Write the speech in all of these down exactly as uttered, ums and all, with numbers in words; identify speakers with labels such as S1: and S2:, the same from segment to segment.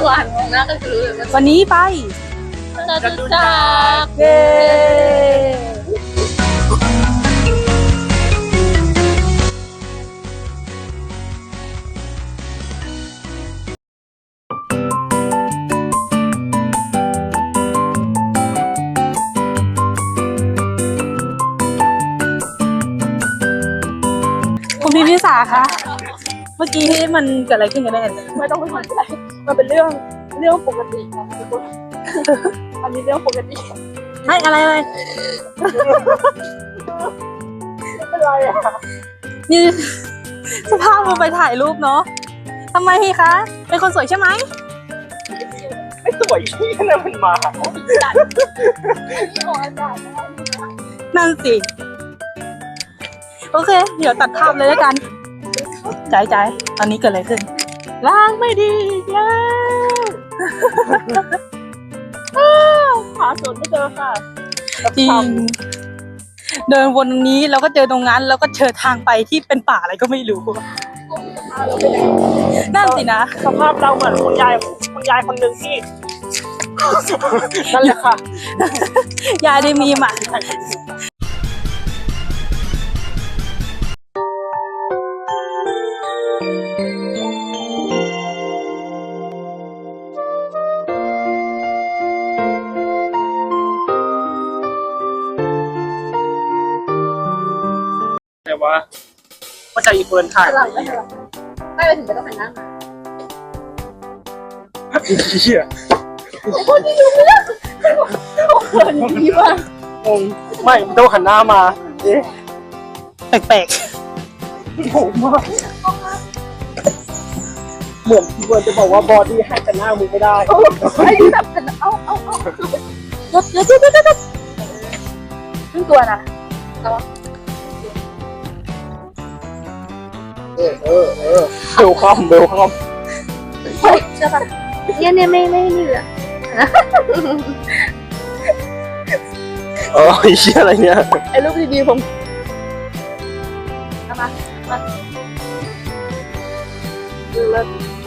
S1: หวานมองหน้ากันรู้เลยว่า
S2: วันนี้ไป
S1: จะดูจัก
S2: เย้คุณพี่พิสาคะเมื่อกี้มันเกิดอะไรขึ้นกันแน่
S1: ไม่ต้องไปสนใจมันเป็นเรื่องเรื่องปกตินะทุกคนอันนี้เรื่องปกติ
S2: ให้อะไรอะไร
S1: ไม่เป็นไรอ่ะ
S2: นี่สภาพมันไปถ่ายรูปเนาะทำไมคะ เป็นคนสวยใช่ไหม
S3: ไม่สวยที่นั่นมันมา
S1: อันนี้ออกอากาศนะ
S2: นั่นสิ โอเค เดี๋ยวตัดภาพเลยแล้วกันใจใจตอนนี้เกิดอะไรขึ้น
S1: ล้างไม่ดีแล้วหาสวนไม่เจอค่ะ
S2: จริง เดินวนตรงนี้แล้วก็เจอตรงนั้น แล้วก็เจอทางไปที่เป็นป่าอะไรก็ไม่รู้ นั่นสินะ
S3: สภาพเราเหมือนคุณยายคุณยายคนหนึ่งที่ นั่นแหละค่ะ
S2: ยายได้มีมา
S3: แต่ว่าก็จะอีเฟิร์นถ่าย
S1: หลังไม่หลังไม่ไปถึงจะต้องหันหน้ามา
S3: เหี้ย
S1: เขินดีว่ะ
S3: งงไม่มันต้องหันหน้ามาเอ๊ะ
S2: แปลก
S3: งงมากเหมือนอีเฟิร์นจะบอกว่าบอดี้ให้แต่หน้ามึงไม่ได้
S1: ไอ้ที่แบบเอาเอาเอาลดลดลดลดลดครึ่งตัวนะแต่ว่า
S3: เออเออเออเบลคอมเบลคอม
S1: เฮ้ยใช่ป่ะเนี่ยเนี่ยไม่ไม่นี่เลย
S3: เออไอ้เชี่ยอะไรเนี่ย
S1: ไอ้รูปดีๆผมเอามามาดูแล้ว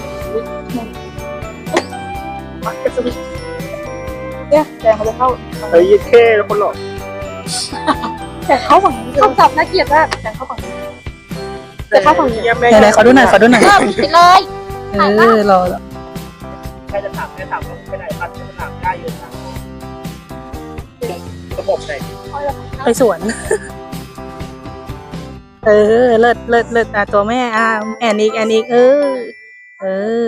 S1: มากระสุนเนี่ยแดงเขาจะเข้า
S3: เฮ้ยยี่แค่แล้วคนหลอก
S1: แต่เข้าฝั่งนี้คำศัพท์น่าเกลียดมากแต่เข้าฝั่งนี้แต่เข้าฝั่งนี้
S3: เยี่ยม
S2: ๆ
S3: แม่
S2: ไหนๆขอดูหน่อยขอดูหน่อย
S1: เริ่มผิดเลย
S2: เออรอรอ
S3: ใครจะถามใครถามว่าไปไหนปัดจะถามได้เยอะนะระบบไหน
S2: ไปสวน เออ เลิศเลิศเลิศอ่ะตัวแม่อ่ะแอนอีกแอนอีกเออ เออ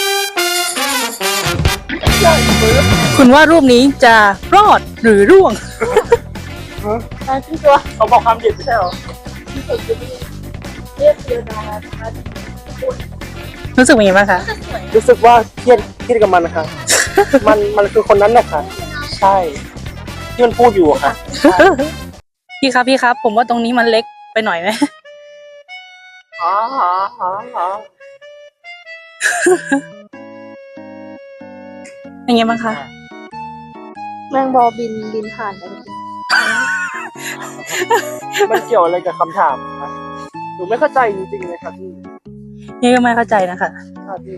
S2: คุณว่ารูปนี้จะรอดหรือร่วง
S1: มาขึ้นตัว
S3: เขาบอกความเด็ดไม่ใช่หรอ
S1: เรียกเดียวดา
S2: รู้สึกเป็นยังไงบ้างคะ
S3: รู้สึกว่าเครียดเครียดกับมันนะคะ มันมันคือคนนั้นแหละค่ะ ใช่ ที่มันพูดอยู่อะค่ะ
S2: พี่ครับพี่ครับ ผมว่าตรงนี้มันเล็กไปหน่อยไหม
S3: อ๋ออ๋ออ๋ออ๋อ
S2: เป็นไงบ้างคะ
S1: แมงบอบินบินผ่านไป
S3: มันเกี่ยวอะไรกับคำถามคะหนูไม่เข้าใจจริงๆเลยค่ะพี่
S2: นี่ก็ไม่เข้าใจนะคะ
S3: ค่ะพี่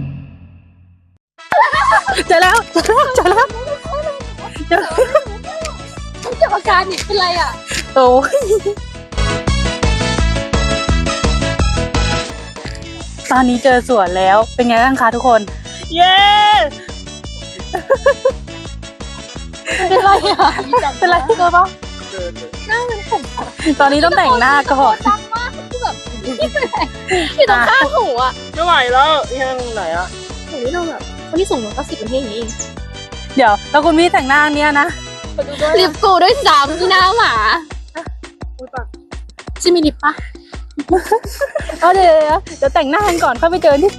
S2: เจอแล้วเจอแล้วเจอแล้วเจอแล้ว
S1: เกี่ยวกับการนี่เป็นไรอ่ะ
S2: โอ้ยตอนนี้เจอสวนแล้ว เป็นไงบ้างคะทุกคน เย้
S1: เป็นไรอ่ะ
S2: เป็นไรเจอปะ
S3: เดินเลย
S1: หน้าเป็นผม
S2: ตอนนี้ต้องแต่งหน้าก่อน
S1: ดังมากคือแบบที่ตรงข้างหูอ่ะ
S3: ไม่ไหวแล้วยังไหนอะ
S1: หูนี่เราแบบคนที่ส่งมาก็สิบนาทีอย่างนี้เอง
S2: เดี๋ยวแล้วคุณพี่แต่งหน้าเนี้ยนะ
S1: ลิปกูด้วยซ้ำที่หน้าหมาชิมีลิปปะ
S2: เอาเดี๋ยวเดี๋ยวเดี๋ยวแต่งหน้ากันก่อนค่อยไปเจอที่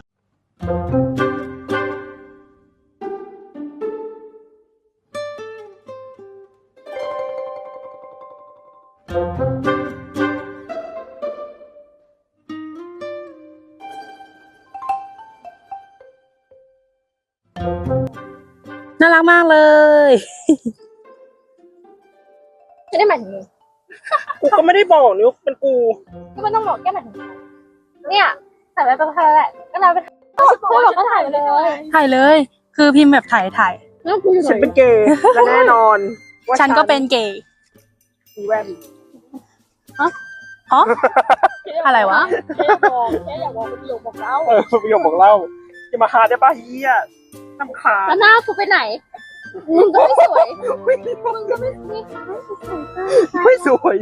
S2: น่ารักมากเลย
S1: ไม่ได้หมายถึงมึง
S3: กูก็ไม่ได้บอกนี่ว่าเป็นกู
S1: ก็ไม่ต้องบอกแก้หมายถึงเนี่ยแต่ไม่เป็นไรแหละก็เราเป็นเขาบอกเขาถ่ายไปเลย
S2: ถ่ายเลย คือพิมพ์แบบถ่ายถ่าย
S1: แล้วกูอยู่ไห
S3: ฉัน
S1: น
S3: เป็นเกย์และแน่นอนว่า
S2: ฉันก็เป็นเกย์
S3: มีแว่น
S2: ฮะอะไรวะ
S1: แค่อยากบอกแค่อยากบอกประโยคบอกเล่า
S3: เออประโยคบอกเล่าจะมาหาได้ป่ะเฮียน้ำขา
S1: แล้วหน้ากูไปไหนมึงก็ไม่สวยมึงก็ไม่ไม่
S3: ไม่สวย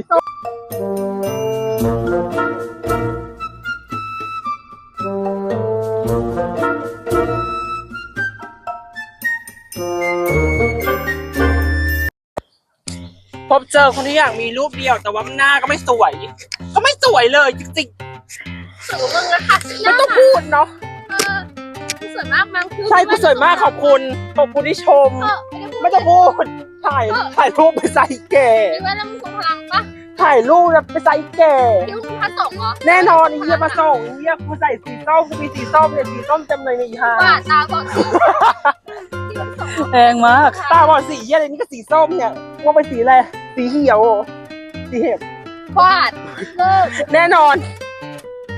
S3: พบเจอคนที่อยากมีรูปเดียวแต่ว่าหน้าก็ไม่สวย ก็ไม่สวยเลยจริง
S1: สวยมึงนะคะ
S3: ๆไม่ต้องพูดเนาะ
S1: เออสวยมากมั้งคือ
S3: ใช่กูสวยมากขอบคุณขอบคุณที่ชม
S1: เออ
S3: ไม่ต้องพูดถ่ายถ่ายรูปไปใส่แก่
S1: คิดว่าแล้วมึงทรงพลังปะ
S3: ถ่ายรูปไปใส่แก่
S1: คิดว่ามึงพระสงฆ์เหรอ
S3: แน่นอนไอ้เหี้ยมาส่งไอ้เหี้ยกูใส่สีส้มกูมีสีส้มเนี่ยสีส้มเต็มเลยในอีห่า
S1: ว่าตาบอดสีที่มันสงฆ์
S2: แรงมาก
S3: ตาบอดสีเหี้ยอะไรนี่ก็สีส้มเนี่ยว่าไปสีอะไรสีเขียวสีเห็บ
S1: วาดเลิก
S3: แน่นอน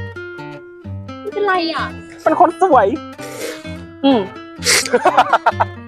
S1: ไม่เป็นไรอ่ะ
S3: เป็นคนสวย
S2: อืม